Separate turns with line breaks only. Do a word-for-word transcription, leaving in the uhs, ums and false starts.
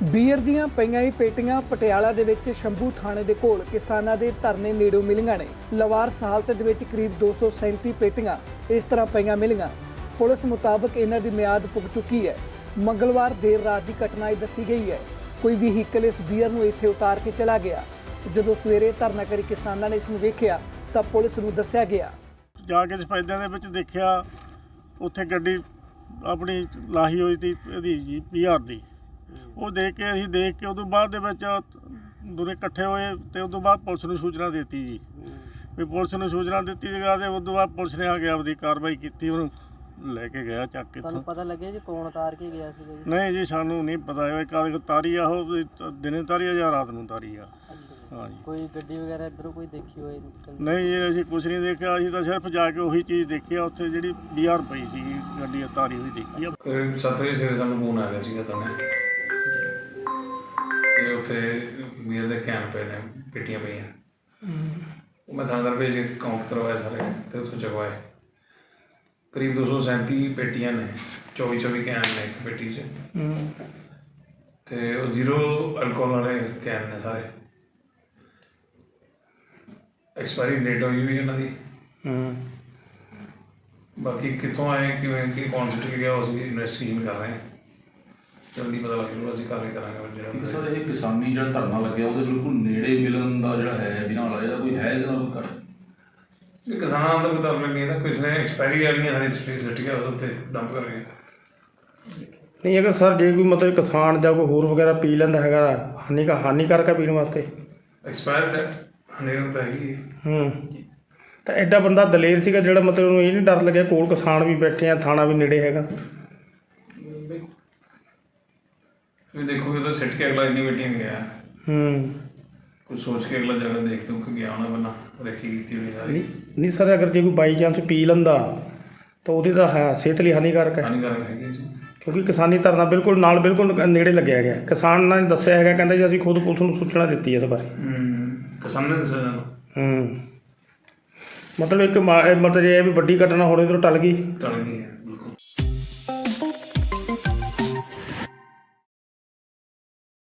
Beer ਦੀਆਂ ਪਈਆਂ ਹੀ ਪੇਟੀਆਂ ਪਟਿਆਲਾ ਦੇ ਵਿੱਚ ਸ਼ੰਭੂ ਥਾਣੇ ਦੇ ਕੋਲ ਕਿਸਾਨਾਂ ਦੇ ਧਰਨੇ ਨੇੜੋਂ ਮਿਲੀਆਂ ਨੇ। ਲਵਾਰਸ ਹਾਲਤ ਦੇ ਵਿੱਚ ਕਰੀਬ ਦੋ ਸੌ ਸੈਂਤੀ ਪੇਟੀਆਂ ਇਸ ਤਰ੍ਹਾਂ ਪਈਆਂ ਮਿਲੀਆਂ। ਪੁਲਿਸ ਮੁਤਾਬਕ ਇਹਨਾਂ ਦੀ ਮਿਆਦ ਪੁੱਗ ਚੁੱਕੀ ਹੈ। ਮੰਗਲਵਾਰ ਦੇਰ ਰਾਤ ਦੀ ਘਟਨਾ ਇਹ ਦੱਸੀ ਗਈ ਹੈ। ਕੋਈ ਵਹੀਕਲ ਇਸ ਬੀਅਰ ਨੂੰ ਇੱਥੇ ਉਤਾਰ ਕੇ ਚਲਾ ਗਿਆ। ਜਦੋਂ ਸਵੇਰੇ ਧਰਨਾਕਾਰੀ ਕਿਸਾਨਾਂ ਨੇ ਇਸ ਨੂੰ ਵੇਖਿਆ ਤਾਂ ਪੁਲਿਸ ਨੂੰ ਦੱਸਿਆ ਗਿਆ।
ਜਾ ਕੇ ਸਫੈਦਿਆਂ ਦੇ ਵਿੱਚ ਦੇਖਿਆ, ਉੱਥੇ ਗੱਡੀ ਆਪਣੀ ਲਾਹੀ ਹੋਈ ਸੀ ਇਹਦੀ ਜੀ ਬੀਅਰ ਦੀ। ਉਹ ਦੇਖ ਕੇ ਅਸੀਂ ਦੇਖ ਕੇ ਉਦੋਂ ਬਾਅਦ ਦੇ ਵਿੱਚ ਦੋਨੇ ਇਕੱਠੇ ਹੋਏ ਅਤੇ ਉਦੋਂ ਬਾਅਦ ਪੁਲਿਸ ਨੂੰ ਸੂਚਨਾ ਦਿੱਤੀ ਜੀ ਵੀ ਪੁਲਿਸ ਨੂੰ ਸੂਚਨਾ ਦਿੱਤੀ ਜਗ੍ਹਾ ਅਤੇ ਉਦੋਂ ਬਾਅਦ ਪੁਲਿਸ ਨੇ ਆ ਕੇ ਆਪਦੀ ਕਾਰਵਾਈ ਕੀਤੀ, ਉਹਨੂੰ ਲੈ ਕੇ ਗਿਆ ਚੱਕ ਕੇ।
ਤੁਹਾਨੂੰ ਪਤਾ ਲੱਗਿਆ ਜੀ ਕੌਣ ਉਤਾਰ ਕੇ ਗਿਆ ਸੀ ਜੀ?
ਨਹੀਂ ਜੀ, ਸਾਨੂੰ ਨਹੀਂ ਪਤਾ ਹੈ ਕਦ ਤਾਰੀ ਆ, ਉਹ ਦਿਨੇ ਤਾਰੀ ਆ ਜਾਂ ਰਾਤ ਨੂੰ ਤਾਰੀ ਆ। ਹਾਂ ਜੀ।
ਕੋਈ ਗੱਡੀ ਵਗੈਰਾ ਇੱਧਰੋਂ ਕੋਈ ਦੇਖੀ ਹੋਏ?
ਨਹੀਂ ਜੀ, ਅਸੀਂ ਕੁਛ ਨਹੀਂ ਦੇਖਿਆ। ਅਸੀਂ ਤਾਂ ਸਿਰਫ ਜਾ ਕੇ ਉਹੀ ਚੀਜ਼ ਦੇਖੀ ਆ, ਉੱਥੇ ਜਿਹੜੀ ਬੀਅਰ ਪਈ ਸੀਗੀ ਗੱਡੀ ਤਾਰੀ ਹੋਈ ਦੇਖੀ ਆ।
ਕਰੀਬ ਸੱਤ ਵਜੇ ਸਵੇਰੇ ਸਾਨੂੰ ਫੋਨ ਆ ਗਿਆ ਸੀਗਾ ਤਾਂ ਤੇ ਉੱਥੇ ਬੀਅਰ ਦੇ ਕੈਨ ਪਏ ਨੇ, ਪੇਟੀਆਂ ਪਈਆਂ। ਉਹ ਮੈਂ ਥਾਣੇਦਾਰ ਭੇਜ ਕੇ ਕਾਊਂਟ ਕਰਵਾਏ ਸਾਰੇ ਅਤੇ ਉੱਥੋਂ ਚੁਕਵਾਏ। ਕਰੀਬ ਦੋ ਸੌ ਸੈਂਤੀ ਪੇਟੀਆਂ ਨੇ, ਚੌਵੀ ਚੌਵੀ ਕੈਨ ਨੇ ਇੱਕ ਪੇਟੀ 'ਚ, ਅਤੇ ਉਹ ਜ਼ੀਰੋ ਅਲਕੋਹਲ ਵਾਲੇ ਕੈਨ ਨੇ ਸਾਰੇ। ਐਕਸਪਾਇਰੀ ਡੇਟ ਹੋਈ ਵੀ ਇਹਨਾਂ ਦੀ। ਬਾਕੀ ਕਿੱਥੋਂ ਆਏ, ਕਿਵੇਂ ਕਿ ਕੁਆਂਟਿਟੀ ਗਿਆ, ਉਹ ਅਸੀਂ ਇਨਵੈਸਟੀਗੇਸ਼ਨ ਕਰ ਰਹੇ ਹਾਂ। ਜਲਦੀ ਪਤਾ ਲੱਗ ਜੂਗਾ, ਅਸੀਂ ਕਾਰਵਾਈ ਕਰਾਂਗੇ। ਜਿਹੜਾ
ਸਰ ਇਹ ਕਿਸਾਨੀ ਜਿਹੜਾ ਧਰਨਾ ਲੱਗਿਆ ਉਹਦੇ ਬਿਲਕੁਲ ਨੇੜੇ ਮਿਲਣ ਦਾ ਜਿਹੜਾ ਹੈ ਬਿਨਾਂ ਵਾਲਾ ਇਹਦਾ ਕੋਈ ਹੈ ਇਹਦੇ ਨਾਲ ਕੋਈ ਘੱਟ?
ਇਹ ਕਿਸਾਨਾਂ ਦਾ ਕੋਈ ਧਰਨਾ ਨਹੀਂ ਇਹਦਾ, ਕਿਸੇ ਨੇ ਐਕਸਪਾਇਰੀ ਵਾਲੀਆਂ ਸਾਰੀ ਸਿੱਟੀ ਸਿੱਟੀ ਗਿਆ ਉੱਥੇ ਡੰਪ ਕਰ ਗਏ।
ਨਹੀਂ ਅਗਰ ਸਰ ਜੇ ਕੋਈ ਮਤਲਬ ਕਿਸਾਨ ਜਾਂ ਕੋਈ ਹੋਰ ਵਗੈਰਾ ਪੀ ਲੈਂਦਾ ਹੈਗਾ ਹਾਨੀ ਕਾ ਹਾਨੀਕਾਰਕ ਹੈ ਪੀਣ ਵਾਸਤੇ?
ਐਕਸਪਾਇਰਡ ਹਨੇਰ ਤਾਂ ਹੈਗੀ।
ਹੂੰ ਤਾਂ ਐਡਾ ਬੰਦਾ ਦਲੇਰ ਸੀਗਾ ਜਿਹੜਾ ਮਤਲਬ ਉਹਨੂੰ ਇਹ ਨਹੀਂ ਡਰ ਲੱਗਿਆ ਕੋਲ ਕਿਸਾਨ ਵੀ ਬੈਠੇ ਆ, ਥਾਣਾ ਵੀ ਨੇੜੇ ਹੈਗਾ।
ਤੁਸੀਂ ਦੇਖੋਗੇ ਤਾਂ ਸਿੱਟ ਕੇ ਅਗਲਾ ਇੰਨੀ ਮੀਟਿੰਗ ਗਿਆ।
ਹੂੰ
ਕੁਝ ਸੋਚ ਕੇ ਅਗਲਾ ਜਗ੍ਹਾ ਦੇਖ ਦੁੱਖ ਗਿਆ ਹੋਣਾ, ਬੰਨਾ ਰੇਖੀ ਕੀਤੀ ਹੋਈ ਸਾਰੀ।
ਨਹੀਂ ਨਹੀਂ ਸਰ, ਅਗਰ ਜੇ ਕੋਈ ਬਾਈ ਚਾਂਸ ਪੀ ਲੈਂਦਾ ਤਾਂ ਉਹਦੀ ਤਾਂ ਹੈ ਸਿਹਤ ਲਈ ਹਾਨੀਕਾਰਕ ਹੈ,
ਹਾਨੀਕਾਰਕ ਹੈਗੀ ਜੀ।
ਕਿਉਂਕਿ ਕਿਸਾਨੀ ਧਰਨਾ ਬਿਲਕੁਲ ਨਾਲ ਬਿਲਕੁਲ ਨੇੜੇ ਲੱਗਿਆ ਗਿਆ। ਕਿਸਾਨ ਨੇ ਦੱਸਿਆ ਹੈਗਾ, ਕਹਿੰਦਾ ਜੀ ਅਸੀਂ ਖੁਦ ਪੁਲਿਸ ਨੂੰ ਸੂਚਨਾ ਦਿੱਤੀ ਇਸ ਬਾਰੇ।
ਕਿਸਾਨ ਨੇ ਦੱਸਿਆ ਸਾਨੂੰ।
ਹੂੰ ਮਤਲਬ ਇੱਕ ਮਾ- ਮਤਲਬ ਇਹ ਹੈ ਵੀ ਵੱਡੀ ਘਟਨਾ ਹੋਣੇ ਤੋਂ ਟਲ ਗਈ।
ਟਲ ਗਈ ਹੈ।